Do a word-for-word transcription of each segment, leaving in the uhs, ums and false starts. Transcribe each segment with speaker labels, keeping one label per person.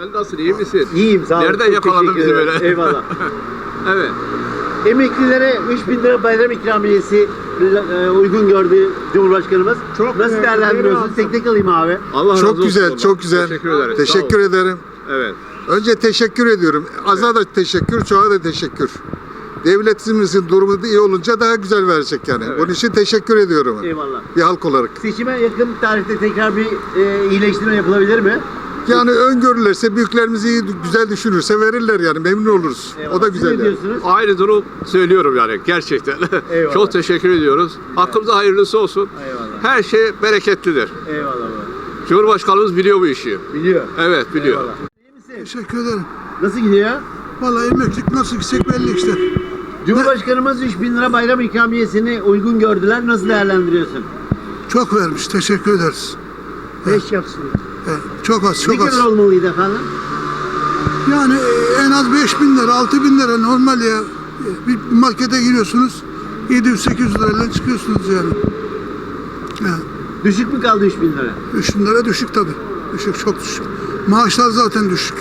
Speaker 1: Sen nasılsın, iyi misin?
Speaker 2: İyiyim, sağ olun.
Speaker 1: Nereden
Speaker 2: Çok
Speaker 1: yakaladın
Speaker 2: teşekkür
Speaker 1: bizi
Speaker 2: ederim.
Speaker 1: böyle?
Speaker 2: Eyvallah.
Speaker 1: Evet.
Speaker 2: Emeklilere üç bin lira bayram ikramiyesi e, uygun gördü Cumhurbaşkanımız.
Speaker 3: Çok
Speaker 2: Nasıl
Speaker 3: güzel,
Speaker 2: değerlendiriyorsun?
Speaker 3: razı
Speaker 2: Tek tek alayım abi.
Speaker 1: Allah razı
Speaker 4: Çok
Speaker 1: olsun
Speaker 4: güzel,
Speaker 1: baba.
Speaker 4: çok güzel.
Speaker 1: Teşekkür ederiz.
Speaker 4: Teşekkür
Speaker 1: Sağ ol.
Speaker 4: ederim.
Speaker 1: Evet.
Speaker 4: Önce teşekkür ediyorum. Az'a da teşekkür, çoğa da teşekkür. Devletimizin durumu da iyi olunca daha güzel verecek yani.
Speaker 1: Evet.
Speaker 4: Bunun için teşekkür ediyorum.
Speaker 2: Eyvallah.
Speaker 4: Bir halk olarak.
Speaker 2: Seçime yakın tarihte tekrar bir e, iyileştirme yapılabilir mi?
Speaker 4: Yani öngörülürse, büyüklerimiz iyi, güzel düşünürse verirler yani. Memnun oluruz.
Speaker 2: Eyvallah.
Speaker 4: O da
Speaker 2: Siz
Speaker 4: güzel
Speaker 2: ne
Speaker 4: yani.
Speaker 2: diyorsunuz?
Speaker 1: Aynı durum söylüyorum yani gerçekten.
Speaker 2: Eyvallah.
Speaker 1: Çok teşekkür ediyoruz. Hakkımıza hayırlısı olsun.
Speaker 2: Eyvallah.
Speaker 1: Her şey bereketlidir.
Speaker 2: Eyvallah baba.
Speaker 1: Cumhurbaşkanımız biliyor bu işi.
Speaker 2: Biliyor.
Speaker 1: Evet, biliyor.
Speaker 2: Eyvallah. İyi misin?
Speaker 3: Teşekkür ederim.
Speaker 2: Nasıl gidiyor?
Speaker 3: Vallahi emeklilik nasıl gidecek belli işte.
Speaker 2: Cumhurbaşkanımız üç bin lira bayram ikramiyesini uygun gördüler. Nasıl değerlendiriyorsun?
Speaker 3: Çok vermiş. Teşekkür ederiz.
Speaker 2: Beş yapsın.
Speaker 3: Evet, çok az,
Speaker 2: Ne
Speaker 3: çok az.
Speaker 2: kadar olmalıydı efendim?
Speaker 3: Yani e, en az beş bin lira, altı bin lira normal ya. E, Bir markete giriyorsunuz, yedi yüz sekiz yüz lirayla çıkıyorsunuz yani. Yani
Speaker 2: Düşük mü kaldı üç bin lira?
Speaker 3: üç bin lira düşük tabii. Düşük, çok düşük. Maaşlar zaten düşük.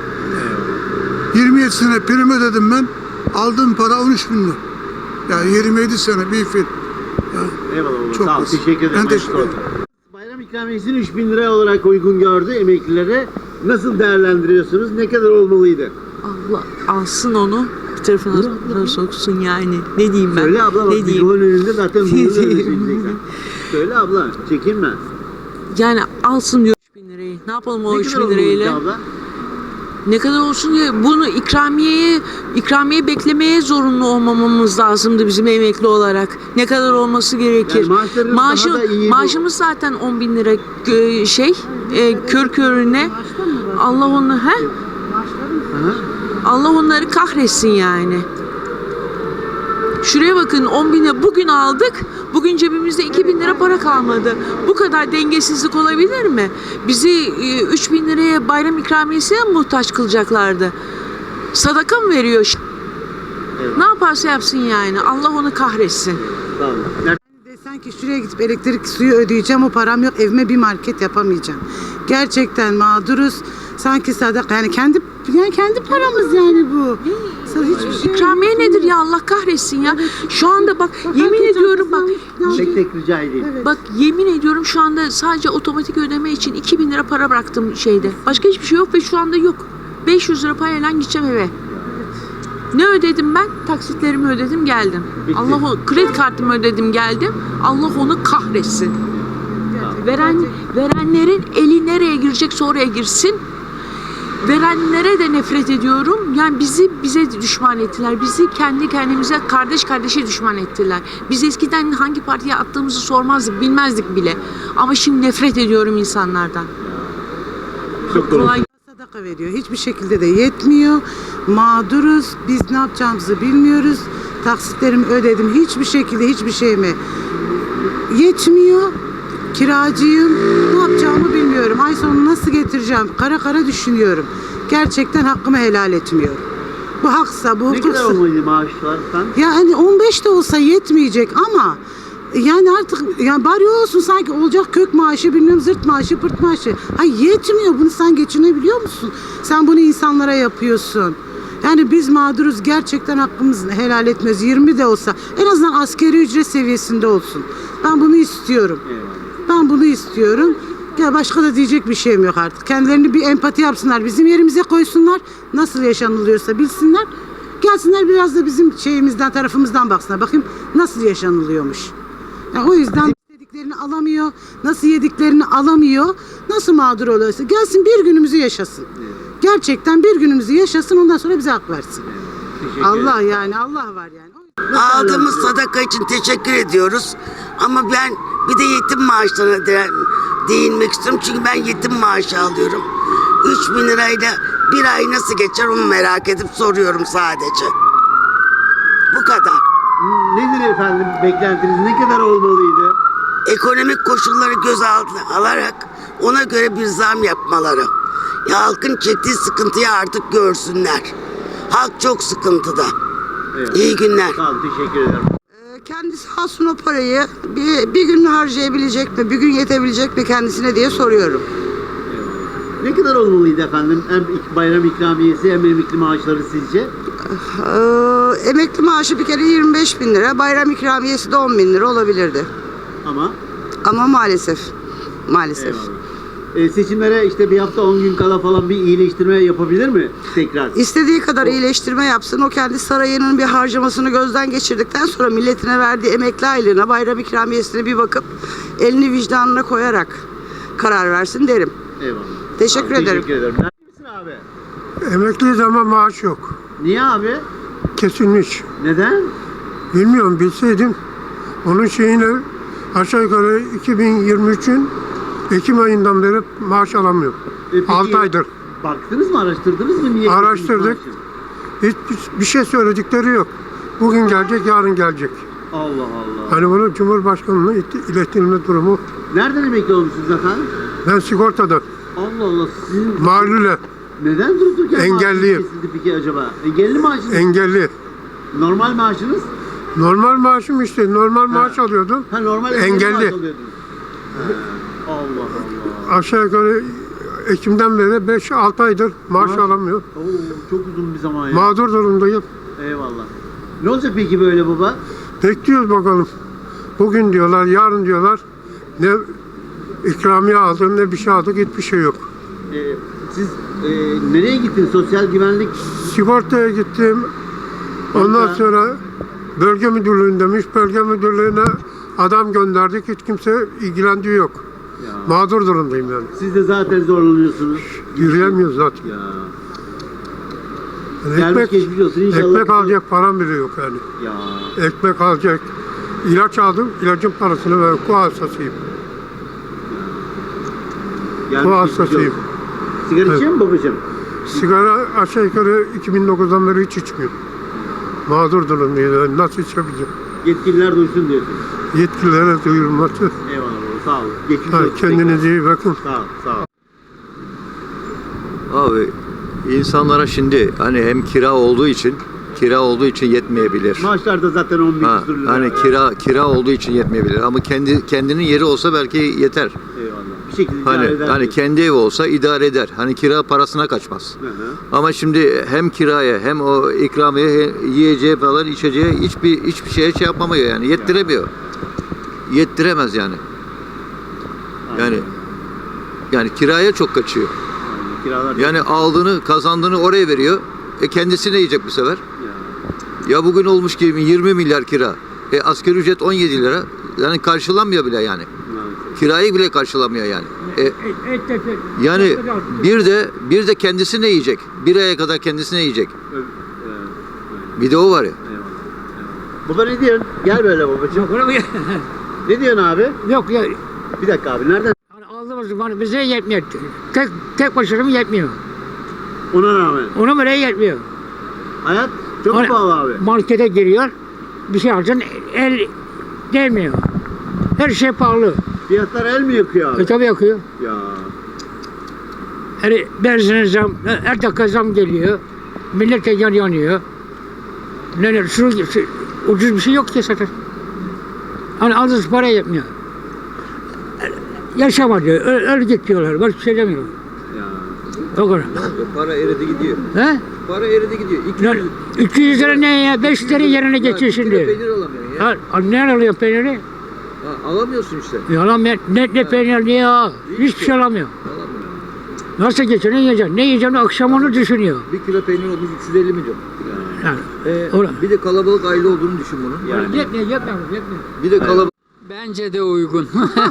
Speaker 3: yirmi yedi sene prim ödedim ben. Aldığım para on üç bin lira. Yani yirmi yedi sene bir film.
Speaker 2: Eyvallah baba.
Speaker 3: Çok
Speaker 2: Sağ ol.
Speaker 3: az.
Speaker 2: Teşekkür ederim.
Speaker 3: Ben teşekkür
Speaker 2: Hayırlı olsun. Bayram ikramiyesini üç bin lira olarak uygun gördü emeklilere. Nasıl değerlendiriyorsunuz? Ne kadar olmalıydı?
Speaker 5: Allah alsın onu bir tarafına soksun yani. Ne diyeyim ben?
Speaker 2: Söyle abla bak
Speaker 5: ne diyeyim?
Speaker 2: mikrofonun önünde zaten bunu
Speaker 5: Ne
Speaker 2: öyle
Speaker 5: diyeyim?
Speaker 2: söyleyeceksin. Söyle abla çekinme.
Speaker 5: Yani alsın diyor üç bin lirayı. Ne yapalım o
Speaker 2: Ne
Speaker 5: üç
Speaker 2: kadar
Speaker 5: bin
Speaker 2: olmalıydı
Speaker 5: lirayla?
Speaker 2: abla?
Speaker 5: Ne kadar olsun diye bunu ikramiyeye ikramiye beklemeye zorunlu olmamamız lazımdı bizim emekli olarak. Ne kadar olması gerekir?
Speaker 2: Yani maaşlarınız
Speaker 5: Maaşı-
Speaker 2: daha da iyi bu.
Speaker 5: maaşımız zaten on bin lira e, şey e, kör körüne. Allah onu he?
Speaker 2: Hı hı.
Speaker 5: Allah onları kahretsin yani. Şuraya bakın on bine bugün aldık. Bugün cebimizde iki bin lira para kalmadı. Bu kadar dengesizlik olabilir mi? Bizi e, üç bin liraya bayram ikramiyesine mi muhtaç kılacaklardı? Sadaka mı veriyor?
Speaker 2: Evet.
Speaker 5: Ne yaparsa yapsın yani. Allah onu kahretsin.
Speaker 2: Sağ olun. Nerede?
Speaker 6: Desen ki şuraya gidip elektrik suyu ödeyeceğim, o param yok, evime bir market yapamayacağım. Gerçekten mağduruz. Sanki sadaka, yani kendi yani kendi paramız yani bu. Hiçbir şey
Speaker 5: İkramiye nedir ya, Allah kahretsin ya. Şu anda bak yemin
Speaker 6: Herkes
Speaker 5: ediyorum bak
Speaker 6: herkes-
Speaker 2: Tek tek rica edeyim.
Speaker 5: bak yemin ediyorum şu anda sadece otomatik ödeme için iki bin lira para bıraktım şeyde. Başka hiçbir şey yok ve şu anda yok. beş yüz lira parayla gideceğim eve. Ne ödedim ben? Taksitlerimi ödedim geldim.
Speaker 2: Bitti.
Speaker 5: Allah o kredi kartımı ödedim geldim. Allah onu kahretsin. Veren verenlerin eli nereye girecekse oraya girsin. Verenlere de nefret ediyorum. Yani bizi bize düşman ettiler. Bizi kendi kendimize kardeş kardeşe düşman ettiler. Biz eskiden hangi partiye attığımızı sormazdık, bilmezdik bile. Ama şimdi nefret ediyorum insanlardan.
Speaker 2: Çok doğru.
Speaker 5: Kolay
Speaker 6: sadaka veriyor. Hiçbir şekilde de yetmiyor. Mağduruz. Biz ne yapacağımızı bilmiyoruz. Taksitlerimi ödedim. Hiçbir şekilde hiçbir şeyime yetmiyor. Kiracıyım. Ne yapacağımı bilmiyorum. Ay sonu nasıl getireceğim? Kara kara düşünüyorum. Gerçekten hakkımı helal etmiyorum. Bu haksa, bu
Speaker 2: Ne kadar
Speaker 6: hukuksa.
Speaker 2: olmalıydı maaşlar sen?
Speaker 6: Yani on beş de olsa yetmeyecek ama yani artık yani bari olsun, sanki olacak kök maaşı, bilmem zırt maaşı, pırt maaşı. Hayır, yetmiyor. Bunu sen geçinebiliyor musun? Sen bunu insanlara yapıyorsun. Yani biz mağduruz, gerçekten hakkımızı helal etmiyoruz. yirmi de olsa en azından asgari ücret seviyesinde olsun. Ben bunu istiyorum.
Speaker 2: Eyvallah.
Speaker 6: Ben bunu istiyorum. Ya başka da diyecek bir şeyim yok artık. Kendilerini bir empati yapsınlar, bizim yerimize koysunlar. Nasıl yaşanılıyorsa bilsinler. Gelsinler biraz da bizim şeyimizden, tarafımızdan baksınlar. Bakayım nasıl yaşanılıyormuş. Yani o yüzden istediklerini alamıyor, nasıl yediklerini alamıyor, nasıl mağdur oluyorsa gelsin bir günümüzü yaşasın. Gerçekten bir günümüzü yaşasın, ondan sonra bize hak versin.
Speaker 2: Teşekkür
Speaker 6: Allah
Speaker 2: ederim.
Speaker 6: yani, Allah var yani.
Speaker 7: Aldığımız sadaka için teşekkür ediyoruz. Ama ben bir de yetim maaşlarına de, değinmek istiyorum. Çünkü ben yetim maaşı alıyorum. üç bin lirayla bir ay nasıl geçer onu merak edip soruyorum sadece. Bu kadar.
Speaker 2: Nedir efendim beklentiniz? Ne kadar olmalıydı?
Speaker 7: Ekonomik koşulları göz altına alarak ona göre bir zam yapmaları. Ya halkın çektiği sıkıntıyı artık görsünler. Halk çok sıkıntıda.
Speaker 2: Evet.
Speaker 7: İyi günler.
Speaker 2: Sağ olun, teşekkür ederim.
Speaker 6: Kendisi alsın o parayı, bir, bir gün harcayabilecek mi, bir gün yetebilecek mi kendisine diye soruyorum.
Speaker 2: Ne kadar olmalıydı efendim? Hem ik- bayram ikramiyesi hem emekli maaşları sizce?
Speaker 8: Ee, emekli maaşı bir kere yirmi beş bin lira, bayram ikramiyesi de on bin lira olabilirdi.
Speaker 2: Ama
Speaker 8: Ama maalesef, maalesef.
Speaker 2: eyvallah. E, seçimlere işte bir hafta on gün kala falan bir iyileştirme yapabilir mi tekrar?
Speaker 8: İstediği kadar iyileştirme yapsın, o kendi sarayının bir harcamasını gözden geçirdikten sonra milletine verdiği emekli aylığına, bayram ikramiyesine bir bakıp elini vicdanına koyarak karar versin derim.
Speaker 2: Eyvallah.
Speaker 8: Teşekkür
Speaker 2: Tamam,
Speaker 8: ederim.
Speaker 2: Teşekkür ederim. Nerede misin abi?
Speaker 3: Emekliyiz ama maaş yok.
Speaker 2: Niye abi?
Speaker 3: Kesilmiş.
Speaker 2: Neden?
Speaker 3: Bilmiyorum, bilseydim onun şeyine aşağı yukarı iki bin yirmi üçün Ekim ayından beri maaş alamıyorum.
Speaker 2: E, peki,
Speaker 3: altı aydır.
Speaker 2: Baktınız mı, araştırdınız mı? Niye
Speaker 3: Araştırdık.
Speaker 2: kesilmiş
Speaker 3: Hiç bir şey söyledikleri yok. Bugün gelecek, yarın gelecek.
Speaker 2: maaşı? Allah Allah.
Speaker 3: Hani bunu Cumhurbaşkanı'na it- iletilme durumu.
Speaker 2: Nereden emekli olmuşsunuz efendim?
Speaker 3: Ben sigortada,
Speaker 2: Allah Allah. Sizin
Speaker 3: mağlule,
Speaker 2: neden durup dururken
Speaker 3: Engelliyim.
Speaker 2: maaşınız kesildi peki acaba? Engelli maaşınız?
Speaker 3: engelli.
Speaker 2: Normal maaşınız?
Speaker 3: Normal maaşım işte, normal maaş alıyordum.
Speaker 2: Ha normal
Speaker 3: Engelli.
Speaker 2: engelli maaş alıyordunuz. Ha, Allah Allah.
Speaker 3: Aşağı yukarı Ekim'den beri beş altı aydır maaş
Speaker 2: Maaş-
Speaker 3: alamıyor.
Speaker 2: Oo, çok uzun bir zaman ya.
Speaker 3: Mağdur durumdayım.
Speaker 2: Eyvallah. Ne olacak peki böyle baba?
Speaker 3: Bekliyoruz bakalım. Bugün diyorlar, yarın diyorlar. Ne ikramiye aldık, ne bir şey aldık, hiçbir şey yok.
Speaker 2: Ee, siz e, nereye gittiniz? Sosyal güvenlik
Speaker 3: Sigortaya gittim. Ondan
Speaker 2: Banka.
Speaker 3: sonra bölge müdürlüğünde demiş. Bölge müdürlüğüne adam gönderdik. Hiç kimse ilgilendiği yok.
Speaker 2: ya.
Speaker 3: Mağdur durumdayım yani.
Speaker 2: Siz de zaten zorlanıyorsunuz.
Speaker 3: Yürüyemiyoruz zaten.
Speaker 2: Ya.
Speaker 3: Yani
Speaker 2: Gelmiş
Speaker 3: ekmek,
Speaker 2: geçmiş olsun. İnşallah
Speaker 3: ekmek
Speaker 2: bize-
Speaker 3: alacak param bile yok yani.
Speaker 2: Ya.
Speaker 3: Ekmek alacak. İlaç aldım. İlacın parasını ver. Ku hastasıyım.
Speaker 2: Gelmiş
Speaker 3: Bu
Speaker 2: geçmiş
Speaker 3: hastasıyım.
Speaker 2: olsun. Sigara içiyor mu babacığım?
Speaker 3: Sigara aşağı yukarı iki bin dokuzdan beri hiç içmiyorum. Mağdur durumdayım. Yani nasıl içebileceğim?
Speaker 2: Yetkililer duysun diyorsun.
Speaker 3: Yetkililere duyurulması.
Speaker 2: Eyvallah baba. Sağ olun. Geçmiş
Speaker 3: Ha,
Speaker 2: olsun.
Speaker 3: kendinize iyi bakın.
Speaker 2: Sağ ol. Sağ ol.
Speaker 9: Abi insanlara şimdi hani hem kira olduğu için kira olduğu için yetmeyebilir.
Speaker 2: Maaşlar da zaten on bin
Speaker 9: Ha,
Speaker 2: küsur lira.
Speaker 9: hani kira kira olduğu için yetmeyebilir ama kendi kendinin yeri olsa belki yeter.
Speaker 2: Eyvallah. Bir şekilde idare
Speaker 9: Hani
Speaker 2: eder
Speaker 9: hani
Speaker 2: diyorsun.
Speaker 9: kendi evi olsa idare eder. Hani kira parasına kaçmaz.
Speaker 2: Hı hı.
Speaker 9: Ama şimdi hem kiraya hem o ikramiye hem yiyeceğe falan içeceğe hiçbir hiçbir şeye şey yapamıyor yani yettiremiyor. Yettiremez yani. Yani yani kiraya çok kaçıyor.
Speaker 2: Aynen, Kiralar
Speaker 9: Yani aldığını, kazandığını oraya veriyor. E kendisi ne yiyecek bu sefer?
Speaker 2: ya.
Speaker 9: Ya bugün olmuş ki yirmi milyar kira. E asgari ücret on yedi lira. Yani karşılanmıyor bile yani.
Speaker 2: Maalesef.
Speaker 9: Kirayı bile karşılamıyor yani. E, yani bir de bir de kendisi ne yiyecek? Bir aya kadar kendisi ne yiyecek?
Speaker 2: Ö- evet.
Speaker 9: Bir de o var ya.
Speaker 2: Eyvallah. Eyvallah. Baba ne diyorsun? Gel böyle babacığım. Ne diyorsun abi?
Speaker 10: Yok ya,
Speaker 2: Bir dakika abi. Nereden?
Speaker 10: yani aldığımız bana bize yetmiyor. Tek, tek başına mı yetmiyor?
Speaker 2: Ona rağmen.
Speaker 10: Ona bile yetmiyor.
Speaker 2: Hayat çok
Speaker 10: Hani-
Speaker 2: pahalı abi.
Speaker 10: Markete giriyor, bir şey alacaksın, el değmiyor. Her şey pahalı.
Speaker 2: Fiyatlar el mi yakıyor abi?
Speaker 10: E tabi yakıyor.
Speaker 2: Ya.
Speaker 10: Her benzine zam, her dakika zam geliyor. Millet de yan yanıyor. Ne ne, şu, şu, ucuz bir şey yok ki zaten. Hani aldığınız para yetmiyor. Yaşama diyor, öl, öl git diyorlar. Başka bir şey demiyorlar.
Speaker 2: Ya.
Speaker 10: O kadar.
Speaker 9: Para eridi gidiyor.
Speaker 10: He?
Speaker 9: Para eridi gidiyor.
Speaker 10: Ya, iki yüz lira ne ya? beş lira yerine geçiyor şimdi.
Speaker 9: alamıyorsun
Speaker 10: Ha, ne alıyor peyniri?
Speaker 9: alamıyorsun işte.
Speaker 10: Yalan ya. Ne, ne peynir ne ya? Hiçbir şey alamıyor. Nasıl geçiyor? Ne yiyeceksin? Ne yiyeceğini akşam onu düşünüyor.
Speaker 9: Bir kilo peynir olmuş üç yüz elli milyon.
Speaker 10: Yani,
Speaker 9: E,
Speaker 10: Ola.
Speaker 9: bir de kalabalık aile olduğunu düşün bunun.
Speaker 2: Yani.
Speaker 10: yetmiyor, yetmiyor, yetmiyor.
Speaker 9: Bir de kalabalık
Speaker 11: Bence de uygun.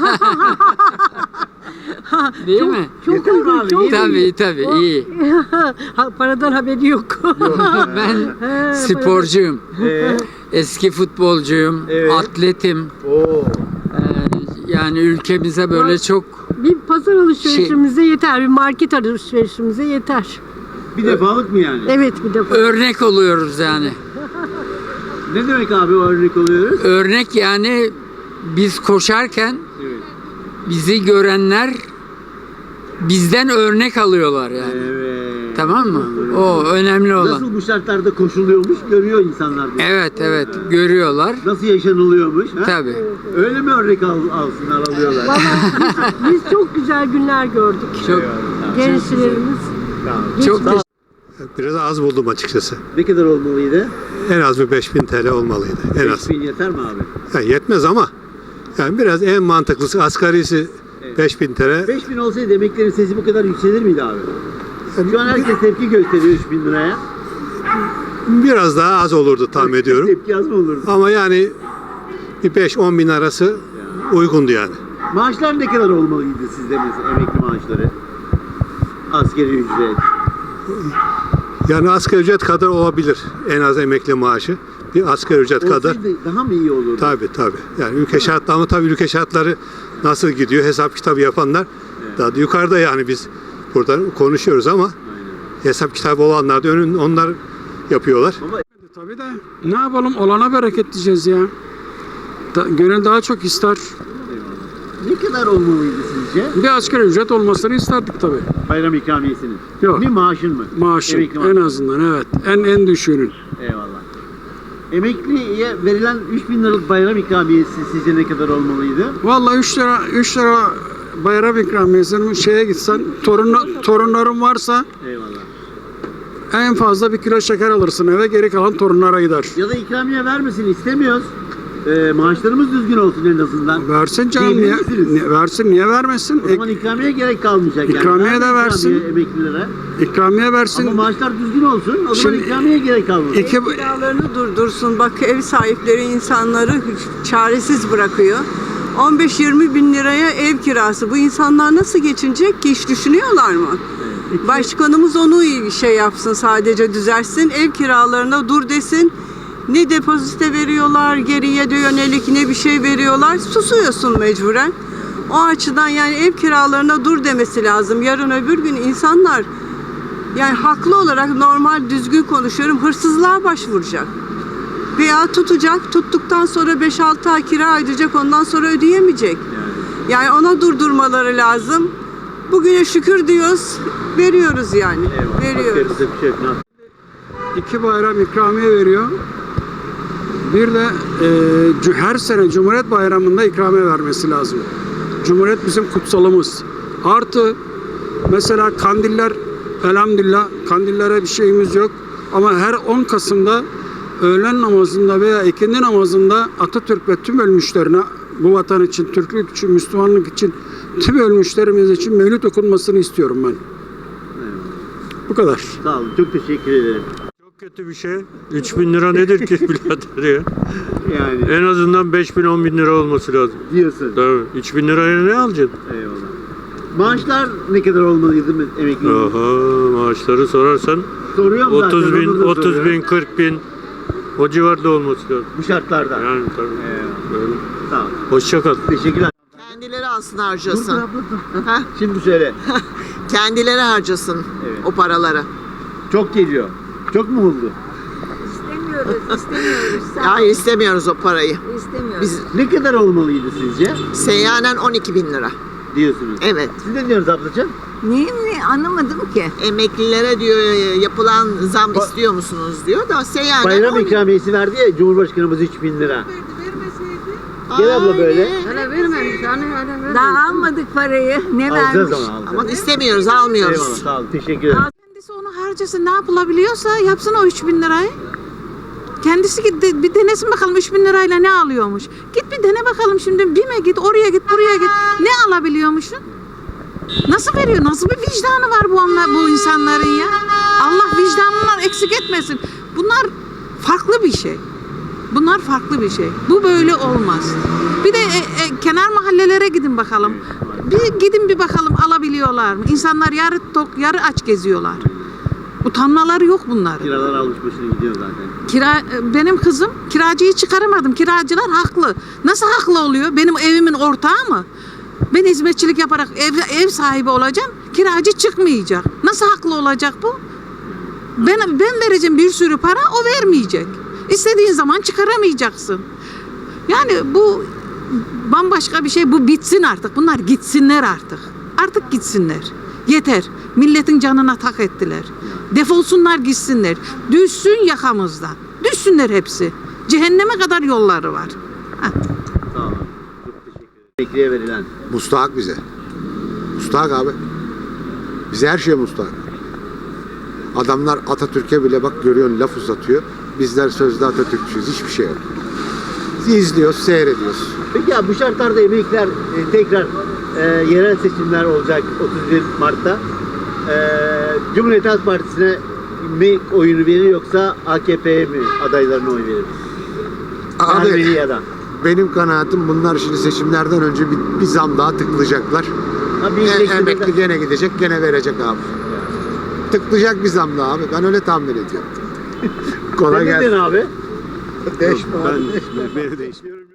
Speaker 11: Değil mi?
Speaker 2: Çok uygun abi. iyi mi?
Speaker 11: Tabii tabii iyi.
Speaker 6: Paradan haberi yok.
Speaker 11: Ben sporcuyum.
Speaker 2: Ee,
Speaker 11: Eski futbolcuyum.
Speaker 2: Evet.
Speaker 11: Atletim.
Speaker 2: Oo.
Speaker 11: Ee, Yani ülkemize böyle çok
Speaker 6: Bir pazar alışverişimize yeter, bir market alışverişimize yeter.
Speaker 2: Bir defalık mı yani?
Speaker 6: Evet, bir defa.
Speaker 11: örnek oluyoruz yani.
Speaker 2: Ne demek abi o örnek oluyoruz?
Speaker 11: Örnek yani biz koşarken
Speaker 2: Evet.
Speaker 11: bizi görenler bizden örnek alıyorlar yani.
Speaker 2: Evet.
Speaker 11: Tamam mı? O önemli olan.
Speaker 2: Nasıl bu şartlarda koşuluyormuş görüyor insanlar. bunu.
Speaker 11: Evet evet görüyorlar.
Speaker 2: Nasıl yaşanılıyormuş. Ha?
Speaker 11: Tabii.
Speaker 2: Öyle mi örnek al, alsınlar alıyorlar?
Speaker 6: Biz çok güzel günler gördük.
Speaker 11: Çok
Speaker 2: Eyvallah.
Speaker 6: Gençlerimiz.
Speaker 11: Çok
Speaker 2: Sağ ol.
Speaker 12: Biraz az buldum açıkçası.
Speaker 2: Ne kadar olmalıydı?
Speaker 12: En az bir beş bin T L olmalıydı. En az.
Speaker 2: beş bin yeter mi abi?
Speaker 12: Yani yetmez ama yani biraz en mantıklısı asgarisi
Speaker 2: Evet.
Speaker 12: beş bin T L.
Speaker 2: beş bin olsaydı emeklilerin sesi bu kadar yükselir miydi abi? Şu an herkes tepki gösteriyor üç bin liraya.
Speaker 12: Biraz daha az olurdu tahmin ediyorum.
Speaker 2: Tepki az mı olurdu?
Speaker 12: Ama yani bir beş on bin arası uygundu yani.
Speaker 2: Maaşlar ne kadar olmalıydı sizde mesela emekli maaşları? Asgari ücret.
Speaker 12: Yani asgari ücret kadar olabilir en az emekli maaşı. Bir asgari ücret kadar.
Speaker 2: Olsaydı daha mı iyi olurdu?
Speaker 12: Tabii tabii. Yani ülke şartları ama tabii ülke şartları nasıl gidiyor hesap kitabı yapanlar daha da yukarıda yani biz burada konuşuyoruz ama hesap kitabı olanlar da önün onlar yapıyorlar.
Speaker 13: Tabii de ne yapalım olana bereket diyeceğiz ya. Da, gönül daha çok ister.
Speaker 2: Ne kadar olmalıydı sizce?
Speaker 13: Bir asgari ücret olmasını isterdik tabii.
Speaker 2: Bayram ikramiyesinin.
Speaker 13: Yok.
Speaker 2: Bir maaşın mı?
Speaker 13: Maaşı
Speaker 2: Emekli
Speaker 13: en
Speaker 2: maaşı.
Speaker 13: azından evet. En en düşüğünün.
Speaker 2: Eyvallah. Emekliye verilen üç bin liralık bayram ikramiyesi sizce ne kadar olmalıydı?
Speaker 13: Vallahi üç lira üç lira bayram ikramiyesinin şeye gitsen torun torunların varsa
Speaker 2: Eyvallah.
Speaker 13: en fazla bir kilo şeker alırsın eve, geri kalan torunlara gider.
Speaker 2: Ya da ikramiye vermesin istemiyoruz. Ee, maaşlarımız düzgün olsun en azından.
Speaker 13: Versin canım,
Speaker 2: Diyebilir
Speaker 13: niye,
Speaker 2: misiniz?
Speaker 13: niye- versin niye vermesin?
Speaker 2: O zaman ikramiye gerek kalmayacak yani.
Speaker 13: İkramiye
Speaker 2: Verme
Speaker 13: de versin.
Speaker 2: ikramiye emeklilere.
Speaker 13: Ek, ikramiye versin.
Speaker 2: Ama maaşlar düzgün olsun. O zaman
Speaker 13: Şimdi-
Speaker 2: ikramiye gerek kalmaz.
Speaker 13: İki,
Speaker 8: Kiralarını durdursun. Bak ev sahipleri insanları çaresiz bırakıyor. on beş yirmi bin liraya ev kirası. Bu insanlar nasıl geçinecek ki, hiç düşünüyorlar mı? Başkanımız onu şey yapsın, sadece düzelsin. Ev kiralarına dur desin. Ne depozite veriyorlar, geriye de yönelik ne bir şey veriyorlar. Susuyorsun mecburen. O açıdan yani ev kiralarına dur demesi lazım. Yarın öbür gün insanlar yani haklı olarak, normal düzgün konuşuyorum, hırsızlığa başvuracak. Veya tutacak, tuttuktan sonra beş altı ay kira ödeyecek, ondan sonra ödeyemeyecek. Yani ona durdurmaları lazım. Bugüne şükür diyoruz, veriyoruz yani.
Speaker 2: Eyvallah.
Speaker 8: Veriyoruz.
Speaker 2: Başka bir şey yok.
Speaker 13: iki bayram ikramiye veriyor. Bir de e, cu- her sene Cumhuriyet Bayramı'nda ikramiye vermesi lazım. Cumhuriyet bizim kutsalımız. Artı mesela kandiller, elhamdülillah kandillere bir şeyimiz yok. Ama her on Kasım'da öğlen namazında veya ikindi namazında Atatürk ve tüm ölmüşlerine, bu vatan için, Türklük için, Müslümanlık için, tüm ölmüşlerimiz için mevlüt okunmasını istiyorum ben. Bu kadar.
Speaker 2: Sağ olun. Çok teşekkür ederim.
Speaker 12: Çok kötü bir şey. üç bin lira nedir ki birader ya?
Speaker 2: Yani
Speaker 12: En azından beş bin on bin lira olması lazım.
Speaker 2: diyorsun.
Speaker 12: Tabii. üç bin liraya ne alacaksın?
Speaker 2: Eyvallah. Maaşlar ne kadar olmalıydı emeklilerin?
Speaker 12: Oha, maaşları sorarsan
Speaker 2: Soruyorum zaten.
Speaker 12: otuz bin,
Speaker 2: onu da
Speaker 12: otuz
Speaker 2: soruyorum.
Speaker 12: bin, kırk bin o civarda olması lazım.
Speaker 2: Bu şartlarda.
Speaker 12: Yani tabii.
Speaker 2: Eyvallah.
Speaker 12: Böyle.
Speaker 2: Sağ ol.
Speaker 12: Hoşça kal.
Speaker 2: Teşekkürler.
Speaker 14: Kendileri alsın
Speaker 2: Dur, dur
Speaker 14: harcasın.
Speaker 2: abla dur. Şimdi söyle.
Speaker 14: Kendileri harcasın
Speaker 2: Evet.
Speaker 14: o paraları.
Speaker 2: Çok geliyor. Çok mu oldu?
Speaker 6: İstemiyoruz, istemiyoruz.
Speaker 14: Hayır, istemiyoruz o parayı.
Speaker 6: İstemiyoruz.
Speaker 14: Biz
Speaker 2: Ne kadar olmalıydı sizce?
Speaker 14: seyyanen on iki bin lira.
Speaker 2: Diyorsunuz.
Speaker 14: Evet.
Speaker 2: Siz ne diyorsunuz ablacığım?
Speaker 6: Niye mi? Anlamadım ki.
Speaker 14: Emeklilere diyor yapılan zam
Speaker 2: Ba-
Speaker 14: istiyor musunuz diyor da seyyanen
Speaker 2: Bayram
Speaker 14: on-
Speaker 2: ikramiyesi verdi ya Cumhurbaşkanımız üç bin lira. Gel abla böyle.
Speaker 14: Aynen.
Speaker 6: Daha almadık parayı. Ne
Speaker 2: Alacağız
Speaker 6: vermiş?
Speaker 2: ama alacağız.
Speaker 14: Ama istemiyoruz, almıyoruz.
Speaker 2: Eyvallah sağ olun. Teşekkür ederim.
Speaker 5: Kendisi onu harcasın, ne yapılabiliyorsa yapsın o üç bin lirayı. Kendisi git de- bir denesin bakalım üç bin lirayla ne alıyormuş. Git bir dene bakalım şimdi, BİM'e git, oraya git, buraya git. Ne alabiliyormuşsun? Nasıl veriyor? Nasıl bir vicdanı var bu onlar, bu insanların ya? Allah vicdanından eksik etmesin. Bunlar farklı bir şey. Bunlar farklı bir şey. Bu böyle olmaz. Bir de e, e, kenar mahallelere gidin bakalım. Bir gidin bir bakalım alabiliyorlar mı? İnsanlar yarı tok, yarı aç geziyorlar. Utanmaları yok bunların.
Speaker 2: Kiralar almış başını gidiyor zaten.
Speaker 5: Kira, benim kızım kiracıyı çıkaramadım. Kiracılar haklı. Nasıl haklı oluyor? Benim evimin ortağı mı? Ben hizmetçilik yaparak ev, ev sahibi olacağım. Kiracı çıkmayacak. Nasıl haklı olacak bu? Ben, ben vereceğim bir sürü para, o vermeyecek. İstediğin zaman çıkaramayacaksın. Yani bu bambaşka bir şey. Bu bitsin artık. Bunlar gitsinler artık. Artık gitsinler. Yeter. Milletin canına tak ettiler. Defolsunlar gitsinler. Düşsün yakamızdan. Düşsünler hepsi. Cehenneme kadar yolları var. Heh.
Speaker 2: Sağ olun. Çok teşekkür ederim. Emekliye verilen.
Speaker 4: Mustahak bize. Mustahak abi.
Speaker 15: Bize her şeye müstahak. Adamlar Atatürk'e bile bak görüyorsun laf uzatıyor. Bizler sözde Atatürkçüyüz. Hiçbir şey yok. İzliyoruz, seyrediyoruz.
Speaker 2: Peki ya bu şartlarda emekliler e, tekrar e, yerel seçimler olacak otuz bir Mart'ta. E, Cumhuriyet Halk Partisi'ne mi oyunu verir yoksa A K P'ye mi adaylarına oy verir?
Speaker 15: Abi,
Speaker 2: Ermeni ya da.
Speaker 15: benim kanaatim bunlar şimdi seçimlerden önce bir, bir zam daha tıklayacaklar.
Speaker 2: Ha, bir
Speaker 15: E,
Speaker 2: iyileştirme-
Speaker 15: emekli gene gidecek, gene verecek abi. Tıklayacak bir zam daha abi. Ben öyle tahmin ediyorum. Kolay
Speaker 2: Sen ne
Speaker 15: gelsin.
Speaker 2: diyorsun abi?
Speaker 15: Değişme abi.
Speaker 2: Ben, ben değişmiyorum.